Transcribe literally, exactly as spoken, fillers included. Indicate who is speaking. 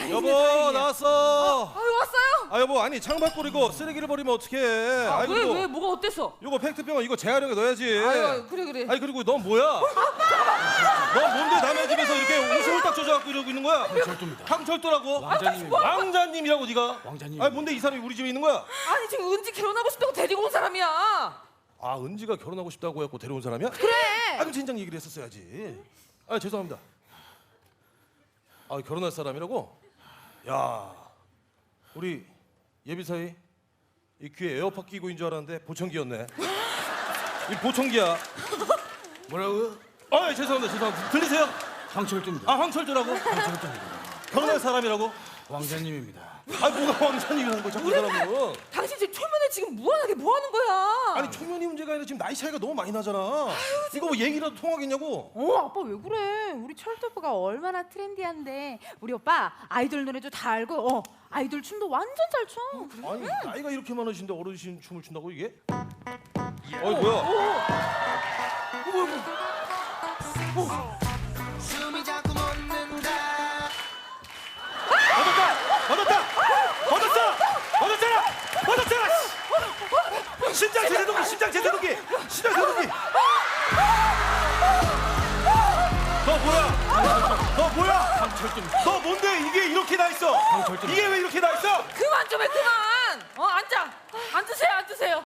Speaker 1: 여보
Speaker 2: 다행이야.
Speaker 1: 나왔어.
Speaker 2: 아유 왔어요?
Speaker 1: 아 여보 아니 창밖 버리고 쓰레기를 버리면 어떡해.
Speaker 2: 아,
Speaker 1: 아이,
Speaker 2: 왜
Speaker 1: 그리고
Speaker 2: 왜 뭐가 어땠어?
Speaker 1: 요거 팩트병원 이거 재활용에 넣어야지.
Speaker 2: 아유 그래 그래.
Speaker 1: 아니 그리고 넌 뭐야? 넌 뭔데 남의 집에서 이렇게 옷을 홀딱 젖어갖고 이러고 있는 거야?
Speaker 3: 황철도입니다.
Speaker 1: 황철도라고?
Speaker 3: 왕자님입니다.
Speaker 1: 왕자님이라고 네가?
Speaker 3: 왕자님.
Speaker 1: 아니 뭔데 이 사람이 우리 집에 있는 거야?
Speaker 2: 아니 지금 은지 결혼하고 싶다고 데리고 온 사람이야.
Speaker 1: 아 은지가 결혼하고 싶다고 해갖고 데려온 사람이야?
Speaker 2: 그래.
Speaker 1: 아 그럼 진작 얘기를 했었어야지. 아 죄송합니다. 아 결혼할 사람이라고? 야 우리 예비사위 이 귀에 에어팟 끼고 있는 줄 알았는데 보청기였네. 이 보청기야.
Speaker 3: 뭐라고요?
Speaker 1: 아 죄송합니다 죄송합니다. 들리세요?
Speaker 3: 황철도입니다.
Speaker 1: 아 황철도라고?
Speaker 3: 황철도입니다.
Speaker 1: 결혼할 사람이라고?
Speaker 3: 왕자님입니다.
Speaker 1: 아 뭐가 왕자님이라는 거야 자꾸 이 사람은.
Speaker 2: 당신 지금 초면에 지금 무한하게 뭐 하는 거야?
Speaker 1: 아니 초면이 문제가 아니라 지금 나이 차이가 너무 많이 나잖아. 이거 뭐 얘기라도 통하겠냐고.
Speaker 4: 어 아빠 왜 그래? 우리 철도 오빠가 얼마나 트렌디한데 우리 오빠 아이돌 노래도 다 알고 어 아이돌 춤도 완전 잘 춰.
Speaker 1: 아니 나이가 이렇게 많으신데 어르신 춤을 춘다고 이게? 어이 뭐야?
Speaker 5: 숨이 자꾸 멎는다.
Speaker 1: 얻었다! 얻었다! 얻었어! 얻었잖아! 얻었잖아! 씨! 심장 제세동기! 심장 제세동기! 심장 제세동기! 너 뭐야? 너 뭐야?
Speaker 3: 황철도입니다.
Speaker 1: 너 뭔데 이게 이렇게 나 있어?
Speaker 3: 황철도입니다.
Speaker 1: 이게 왜 이렇게 나 있어?
Speaker 2: 그만 좀 해 그만. 어 앉아. 앉으세요 앉으세요.